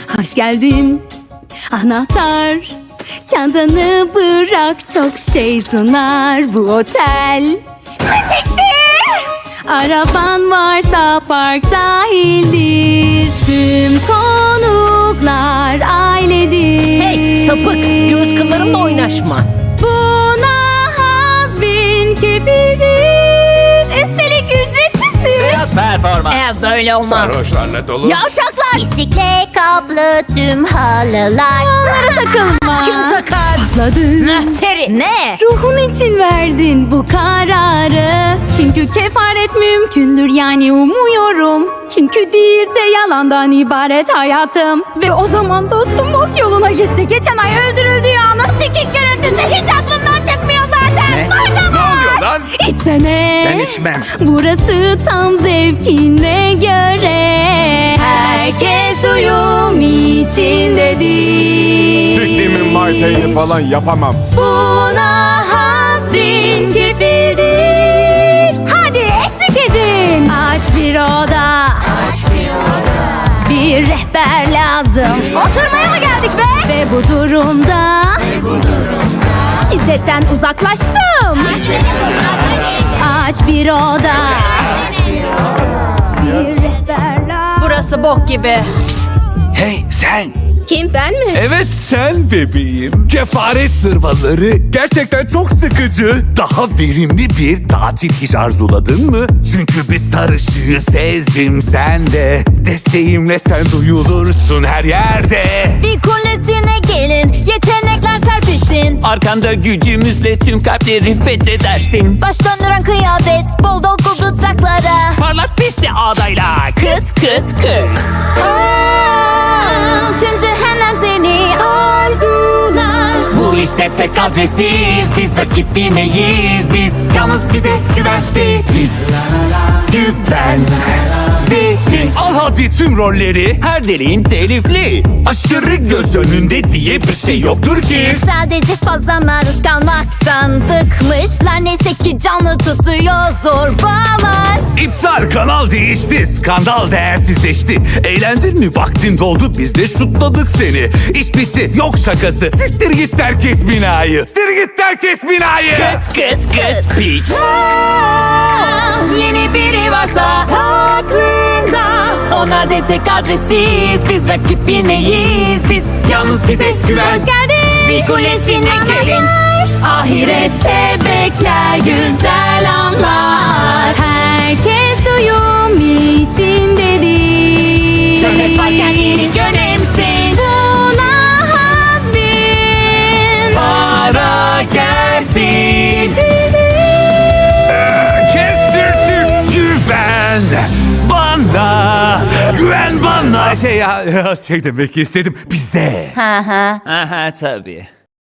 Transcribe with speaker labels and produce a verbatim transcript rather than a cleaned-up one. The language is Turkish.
Speaker 1: Hoş geldin anahtar, çantanı bırak, çok şey sunar bu otel.
Speaker 2: Müthişti.
Speaker 1: Araban varsa park dahildir. Tüm konuklar ailedir.
Speaker 2: Hey sapık, göz kıllarımla oynaşma.
Speaker 1: Buna hazbin kefildir. Üstelik ücretsizdir.
Speaker 3: Biraz performans.
Speaker 2: Eğer böyle olmaz.
Speaker 4: Sarhoşlarla dolu.
Speaker 2: Yavşaklar.
Speaker 5: Pislikle kaplı tüm halılar.
Speaker 1: Onlara takılma.
Speaker 2: Kim takar?
Speaker 1: Patladı.
Speaker 2: Terry. Ne?
Speaker 1: Ruhun için verdin bu kararı. Çünkü kefaret mümkündür, yani umuyorum. Çünkü değilse yalandan ibaret hayatım. Ve o zaman dostum ok yoluna gitti. Geçen ay öldürüldüğü anı sikik görüntüsü hiç aklımdan çıkmıyor zaten.
Speaker 4: Ne?
Speaker 1: Burada
Speaker 4: Ne oluyor lan?
Speaker 1: İçsene.
Speaker 4: Ben içmem.
Speaker 1: Burası tam zevkine göre. Herkes uyum içindedir.
Speaker 4: Siktiğimin martayını falan yapamam.
Speaker 1: Buna hazbin kefildir. Hadi eşlik edin. Aç bir oda. Bir rehber lazım. Oturmaya mı geldik be? Ve bu durumda, şiddetten uzaklaştım. Aç bir oda. Bir rehber lazım.
Speaker 2: Burası bok gibi.
Speaker 4: Hey sen.
Speaker 5: Kim, ben mi?
Speaker 4: Evet sen bebeğim. Kefaret zırvaları gerçekten çok sıkıcı. Daha verimli bir tatil hiç arzuladın mı? Çünkü bir sarışığı sezdim sende. Desteğimle sen duyulursun her yerde.
Speaker 5: Bir kulesine gelin, yetenekler serpilsin.
Speaker 3: Arkanda gücümüzle tüm kalpleri fethedersin.
Speaker 5: Baş döndüren kıyafet, bol dolgu dudaklara.
Speaker 3: Parlak piste adayla kıt kıt kıt.
Speaker 5: Aa, tüm cehennem seni arzular.
Speaker 3: Bu işte tek adresiz, biz rakip bilmeyiz. Biz yalnız bize güven deriz. Güven deriz.
Speaker 4: Al hadi tüm rolleri.
Speaker 3: Her deliğin telifli.
Speaker 4: Aşırı göz önünde diye bir şey yoktur ki.
Speaker 5: Sadece fazla maruz kalmaktan bıkmışlar. Neyse ki canlı tutuyor zorbalar.
Speaker 4: İptal, kanal değişti. Skandal değersizleşti. Eğlendin mi? Vaktin doldu. Biz de şutladık seni. İş bitti. Yok şakası. Siktir git, terk et binayı. Siktir git, terk et binayı.
Speaker 3: Kıt kıt kıt piç.
Speaker 5: Yeni biri varsa
Speaker 3: Aklında ona de tek adresiz. Biz rakip bilmeyiz. Biz yalnız bize güven.
Speaker 1: Hoş geldin.
Speaker 3: Bir kulesine gelin.
Speaker 1: Ahirette bekler güzel anlar. Herkes uyum içindedir.
Speaker 3: Şöhret varken iyilik önemsiz.
Speaker 1: Buna hazbin
Speaker 3: Para gelsin.
Speaker 4: Kestirtip güven bana. Güven bana. Şey ya, şey demek istedim. Bize.
Speaker 5: Ha ha.
Speaker 3: Aha tabii.